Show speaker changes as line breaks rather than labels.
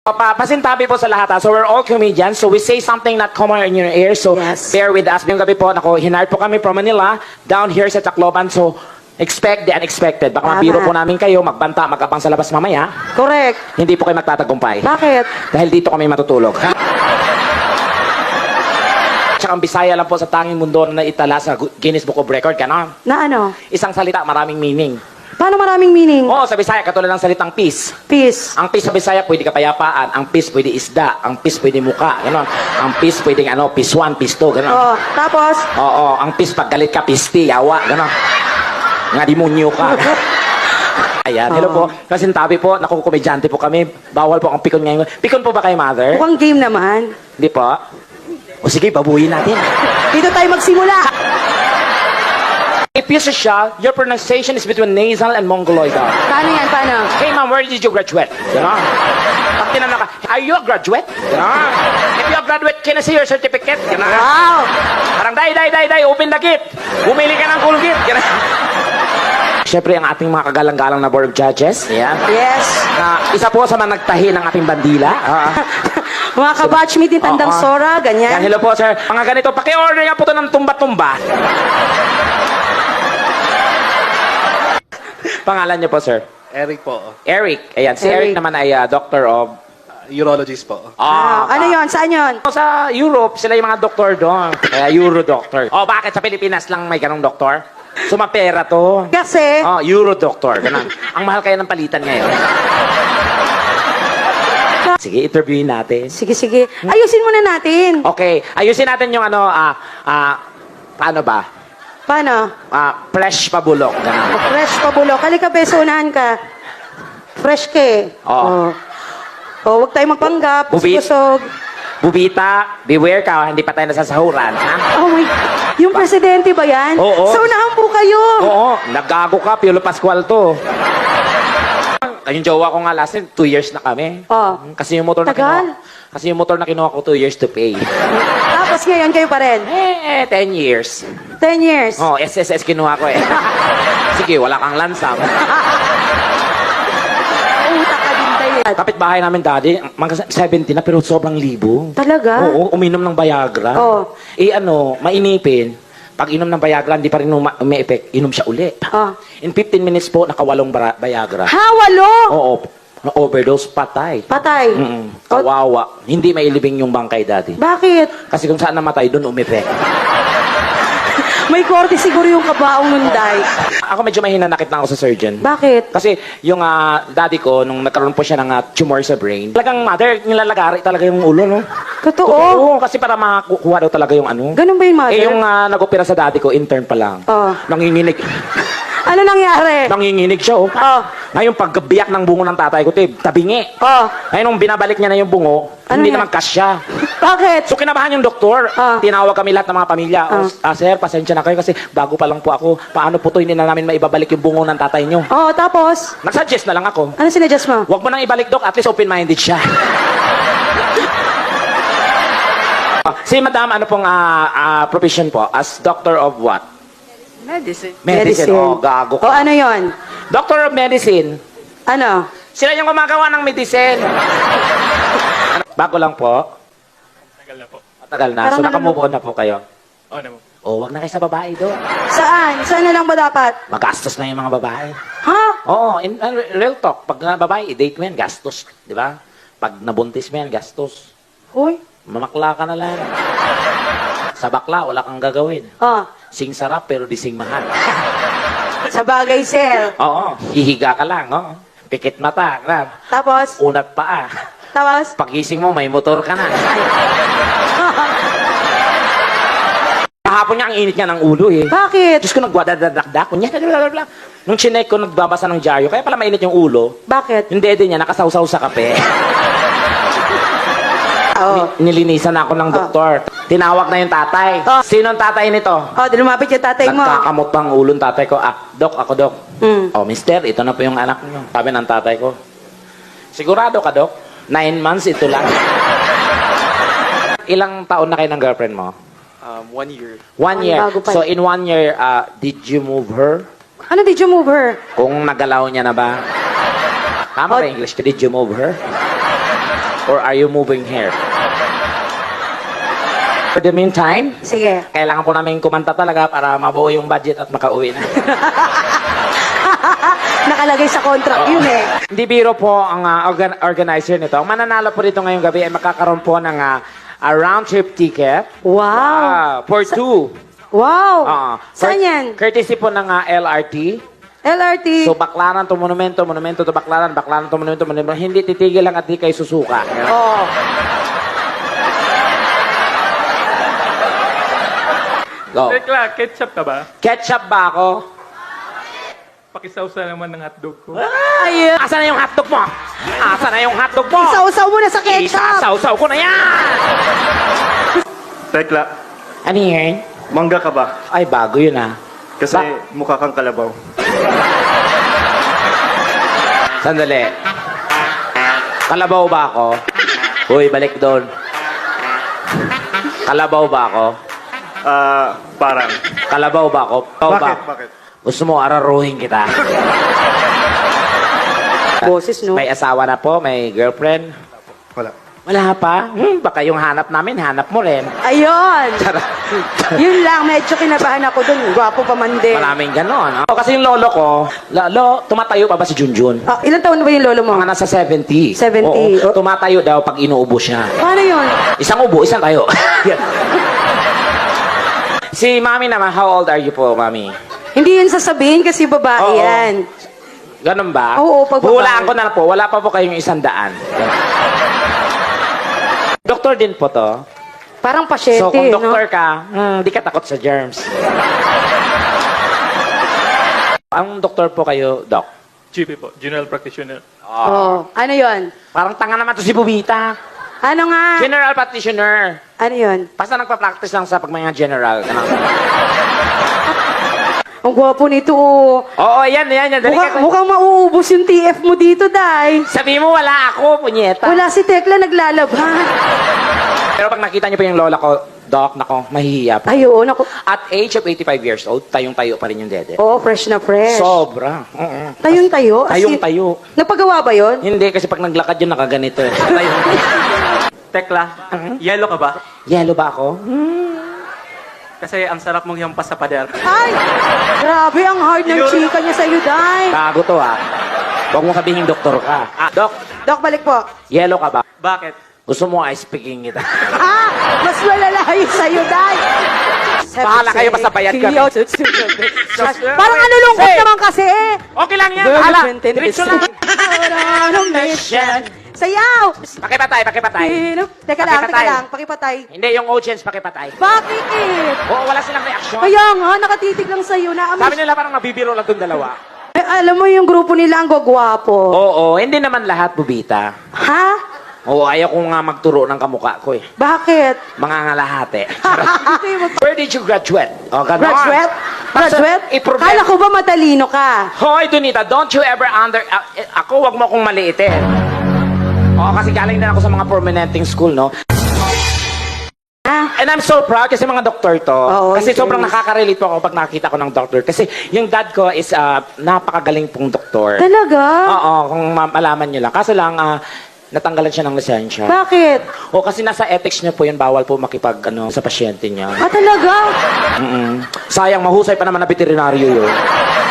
Pasintabi po sa lahat. So we're all comedians. So we say something not common in your ears. So
Yes.
bear with us. Ngayong gabi po, hinard po kami from Manila down here sa Tacloban. So expect the unexpected. Baka
Tama.
mabiro po namin kayo, magbanta, magabang sa labas mamaya.
Correct.
Hindi po kayo magtatagumpay.
Bakit?
Dahil dito kami matutulog. Tsaka ang Bisaya lang po sa tanging mundo na itala sa Guinness Book of Record. Ganon.
Na ano?
Isang salita, maraming meaning.
Paano maraming meaning?
Oo, sa Bisaya, katulad ng salitang peace.
Peace.
Ang peace sa Bisaya, pwede kapayapaan. Ang peace, pwede isda. Ang peace, pwede muka. Ganon. Ang peace, pwede peace 1, peace 2. Ganon.
Oh, tapos?
Oo, ang peace, pag galit ka, pisti, yawa. Ganon. Nga demonyo ka. Ayan, hello po. Kasintabi po, nakukomedyante po kami. Bawal po ang pikon ngayon. Pikon po ba kayo, mother?
Mukhang game naman.
Hindi po. O sige, babuhin natin.
Dito tayo magsimula.
If you siya, your pronunciation is between nasal and mongoloidal.
Paano yan? Paano?
Hey ma'am, where did you graduate? Ganon. Pag tinanong ka, are you a graduate? Ganon. If you a graduate, can I see your certificate? Ganon.
Wow!
Parang, day, open the gate. Bumili ka ng cool gate. Ganon. Siyempre, ang ating mga kagalang-galang na board of judges. Yan.
Yes.
Isa po sa mga nagtahi ng ating bandila.
Mga kabatchmate ni Tandang
Oo.
Sora,
Yan,
ganyan.
hello po, sir. Mga ganito, paki-order nga po ito ng tumba-tumba. Pangalan niyo po, sir?
Eric po.
Eric. Ayan, si Eric
Eric.
naman ay doctor of...
Urologist po.
Ano yon? Saan yon?
Sa Europe, sila yung mga doktor doon. Kaya Euro doctor. Oh, bakit sa Pilipinas lang may ganong doktor? Sumapera to.
Kasi,
Oh, Euro doctor. Ganun. Ang mahal kaya ng palitan ngayon. Sige, interviewin natin.
sige. Ayusin muna natin.
Okay, ayusin natin yung paano ba?
Paano?
Fresh pabulok. Ganun.
Fresh pabulok. Halika, beso, unahan ka. Fresh ka eh.
Oo.
Oh, huwag tayo magpanggap.
Bubit.
Busog.
Bubita, beware ka, hindi pa tayo nasasahuran. Ha?
Oh my... Yung presidente ba yan?
Oo.
Sa unahan po kayo.
Oo, naggago ka, Piolo Pascual to. Yung jowa ko nga last 2 years na kami.
Oh.
Kasi yung motor na
Tagal.
kinuha ko 2 years to pay.
Tapos ngayon kayo pa rin.
10 years.
10 years.
Oh, SSS kinuha ko eh. Sige, wala kang lansam.
Utak ka din tayo.
Kapit-bahay namin dati, mga 70 na pero sobrang libo.
Talaga?
Oo, uminom ng Viagra.
Oh.
Mainipin. Pag inom ng Viagra, hindi pa rin umi-effect. Inom siya uli.
Oh.
In 15 minutes po, nakawalong Viagra.
Ha, walo?
Oo, na-overdose, patay.
Patay.
Mm-mm. Kawawa. Hindi mailibing yung bangkay dati.
Bakit?
Kasi kung saan namatay, doon umipek.
May korte siguro yung kabaong nunday.
Ako medyo mahinanakit na ako sa surgeon.
Bakit?
Kasi yung daddy ko, nung nagkaroon po siya ng tumor sa brain, talagang mother, nilalagari talaga yung ulo, no?
Totoo?
Oo, kasi para makakuha daw talaga yung ano.
Ganun ba yung mother?
Yung nag-opera sa daddy ko, intern pa lang.
Oh.
Nanginginig.
Ano nangyari?
Nanginginig siya, oh.
Oh.
Ngayon, pagbiyak ng bungo ng tatay ko, tabingi.
Oh.
Ngayon, nung binabalik niya na yung bungo,
Ano
hindi
yan?
naman kasya.
Bakit?
So, kinabahan yung doktor.
Ah.
Tinawag kami lahat ng mga pamilya. Sir, pasensya na kayo kasi bago pa lang po ako. Paano po to, hindi na namin maibabalik yung bungo ng tatay nyo.
Oh, tapos?
Nag-suggest na lang ako.
Ano sinadjust mo?
Huwag mo nang ibalik, Dok. At least open-minded siya. Si Madam, ano pong profession po? As doctor of what?
Medicine.
Medicine. Oh, gago
Oh,
ka.
ano yon?
Doctor of medicine.
Ano?
Sila yung gumagawa ng medicine. Bago lang po.
Tagal na po.
Matagal na.
Parang
So, nakamove on na po kayo.
Oh, na po.
Oh, wag na kayo sa babae doon.
Saan? Saan na lang ba dapat?
Magastos na yung mga babae.
Ha?
Oo, in real talk. Pag babae, i-date mo yan, gastos. Di ba? Pag nabuntis mo yan, gastos.
Uy.
Mamakla ka na lang. Sa bakla, wala kang gagawin.
Oh.
Sing sarap, pero di sing mahal.
Sa bagay, sir.
Oo, hihiga ka lang, oo. Pikit mata, grab.
Tapos?
Unat paa.
Tapos?
Pagising mo, may motor ka na. Kahapon niya, ang init niya ng ulo eh.
Bakit?
Diyos ko, nagwadadadakdak. Kunya, blablabla. Nung chinek ko, nagbabasa ng dyaryo. Kaya pala mainit yung ulo.
Bakit?
Yung dede niya, nakasawsaw sa kape.
Oo.
Nilinisan ako ng doktor. Tinawag na yung tatay.
Oh.
Sino ang tatay nito?
Oh, di lumapit yung tatay mo.
Nagkakamot pang ulo ng tatay ko. Dok, ako dok.
Mm.
Oh, mister, ito na po yung anak niyo. Sabi ng tatay ko. Sigurado ka, dok? 9 months, ito lang. Ilang taon na kayo ng girlfriend mo?
1 year.
1
Ay,
year.
bago pa.
So, in 1 year, did you move her?
Ano, did you move her?
Kung nagalaw niya na ba? Tama ba English? Did you move her? Or are you moving here? For the meantime,
Sige.
kailangan po namin kumanta talaga para mabuo yung budget at makauwi na.
Nakalagay sa contract yun eh.
Hindi biro po ang organizer nito. Ang mananalo po dito ngayong gabi ay makakaroon po ng round trip ticket.
Wow.
For two.
Wow.
For-
Saan yan?
Courtesy po ng LRT.
LRT.
So, Baklaran to Monumento, Monumento to Baklaran, Baklaran to Monumento, Monumento. Hindi titigil lang at di kayo susuka.
Oh.
Go.
Tekla, ketchup ka ba?
Ketchup ba ako?
Pakisawsa naman ng hotdog ko.
Ayun.
Asa na yung hotdog mo? Asa na yung hotdog mo?
Isausaw mo na sa ketchup.
Isasaw-saw ko na yan!
Tekla,
Ano yun?
mangga ka ba?
Ay, bago yun ah.
Kasi
Ba-
mukha kang kalabaw.
Sandali. Kalabaw ba ako? Uy, balik doon. Kalabaw ba ako?
Parang.
Kalabaw ba ako? Kalabaw ba?
Bakit? Bakit?
Gusto mo araruhin kita?
Boses, no?
May asawa na po? May girlfriend?
Wala.
Wala pa? Baka yung hanap namin, hanap mo rin.
Ayun. Yun lang, medyo kinabahan ako dun. Gwapo pa man din.
Maraming ganon. Oh. Kasi yung lolo ko, lolo, tumatayo pa ba si Junjun?
Ah, ilan taon na ba yung lolo mo?
Mga nasa 70.
70.
Oo, tumatayo daw pag inuubo siya.
Paano yun?
Isang ubo, isang tayo. Si mami naman, how old are you po, mami?
Hindi yun sasabihin kasi babae
Oo.
yan.
Ganun ba?
Oo, pag babae.
Hulaan ko na po, wala pa po kayong 100. Doktor din po to.
Parang pasyente,
So, kung
no?
doktor ka, di ka takot sa germs. Ang doktor po kayo, doc.
GP po, General Practitioner.
Oh. Ano yun?
Parang tanga naman to si Bubita.
Ano nga?
General practitioner.
Ano yun?
Basta nagpa-practice lang sa pag mga general. Ano?
Ang gwapo nito, oh.
Oo, yan. Dali ka.
Mukhang mauubos yung TF mo dito, Day.
Sabi mo, wala ako, punyeta.
Wala si Tekla naglalaban.
Pero pag nakita niyo pa yung lola ko, doc, nako, mahihiya pa.
Ay, oo, naku.
At age of 85 years old, tayong-tayo pa rin yung dede.
Oo, fresh na fresh.
Sobra. Oo.
Tayong-tayo? As in,
Tayong-tayo.
Napagawa ba yun?
Hindi, kasi pag naglakad yun, nakaganito eh. Tayong.
Tekla, yellow ka ba?
Yellow ba ako?
Kasi ang sarap mong hampas sa pader.
Ay! Grabe, ang hard ng chika niya sa'yo, Day.
Bago to ah. Huwag mo sabihin doktor ka. Doc,
Dok, balik po.
yellow ka ba?
Bakit?
Gusto mo ice picking kita.
Mas malala yun sa'yo, Day.
Bahala kayo, basta bayad kami.
Parang ano lungkot
Hey!
naman kasi eh.
Okay lang yan.
Very
Bahala.
content.
Diretso lang.
Sayaw!
Pakipatay.
Teka lang, pakipatay.
Hindi, yung audience pakipatay.
Bakit?
Oo, wala silang reaksyon.
Kaya nga, nakatitig lang sa'yo na
Sabi nila parang nabibiro lang itong dalawa.
Eh, alam mo yung grupo nila ang gwagwapo.
Oo, hindi naman lahat, Bubita.
Ha?
Oo, ayaw ko nga magturo ng kamukha ko eh.
Bakit?
Mga ngalahate.
Hindi mag-
Where did you graduate? O, ganon.
Graduate? Graduate?
i-prove-
Kala ko ba matalino ka?
Hoy, Donita, don't you ever ako, wag mo akong maliitin. Oo, kasi galing din ako sa mga prominenting school, no?
Ah,
And I'm so proud kasi mga doktor to.
Oo,
kasi
in
sobrang
fairness.
nakaka-relate po ako pag nakita ko ng doktor. Kasi yung dad ko is napakagaling pong doktor.
talaga?
Oo, kung malaman nyo lang. Kaso lang, natanggalan siya ng lisensya.
Bakit?
O kasi nasa ethics niya po yun, bawal po makipag sa pasyente niya.
Ah, talaga?
Sayang, mahusay pa naman na veterinaryo yun.